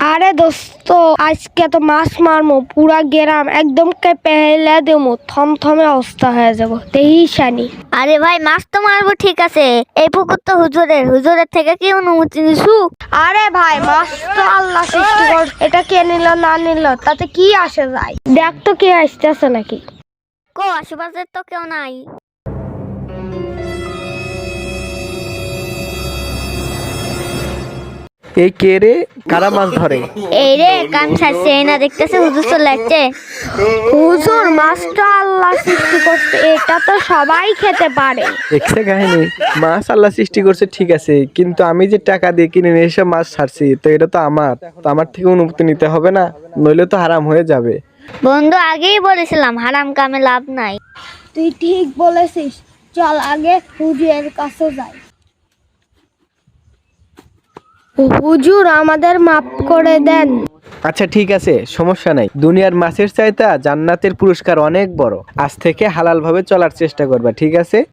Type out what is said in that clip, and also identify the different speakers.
Speaker 1: আরে দোস্ত, আজকে তো মাছ মারমো, পুরা গেরাম একদম পেহেলা দেবো, থমথমে অবস্থা হয়ে যাবো তেইশানি।
Speaker 2: আরে ভাই, মাছ তো মারবো ঠিক আছে, এই পুকুর তো হুজুরের থেকে কি অনুমতি নিছু?
Speaker 1: আরে ভাই, মাছ তো আল্লাহ সৃষ্টি কর, এটা কে নিল না নিল তাতে কি আসে যায়। দেখ তো কে আসতেছে নাকি।
Speaker 2: কো আশেপাশে তো কেউ নাই।
Speaker 3: এই কে রে? কারা মাছ ধরে?
Speaker 2: এই রে কান ছাড়ছে, এই না দেখতেছে হুজুর চলে যাচ্ছে।
Speaker 1: হুজুর, মাছটা আল্লাহ সৃষ্টি করছে, এটা তো সবাই খেতে পারে।
Speaker 3: দেখছে কাহিনী, মাছ আল্লাহ সৃষ্টি করছে ঠিক আছে, কিন্তু আমি যে টাকা দিয়ে কিনে নিয়ে এসে মাছ ছাড়ছি, তো এটা তো আমার থেকে অনুমতি নিতে হবে না, নইলে তো হারাম হয়ে যাবে।
Speaker 2: বন্ধু, আগেই বলেছিলাম হারাম কামে লাভ নাই।
Speaker 1: তুই ঠিক বলেছিস, চল আগে হুজুরের কাছে যাই। হুজুর, আমাদের মাফ করে দেন।
Speaker 3: আচ্ছা ঠিক আছে, সমস্যা নাই। দুনিয়ার মাছের চাইতে জান্নাতের পুরস্কার অনেক বড়। আজ থেকে হালাল ভাবে চলার চেষ্টা করবা, ঠিক আছে?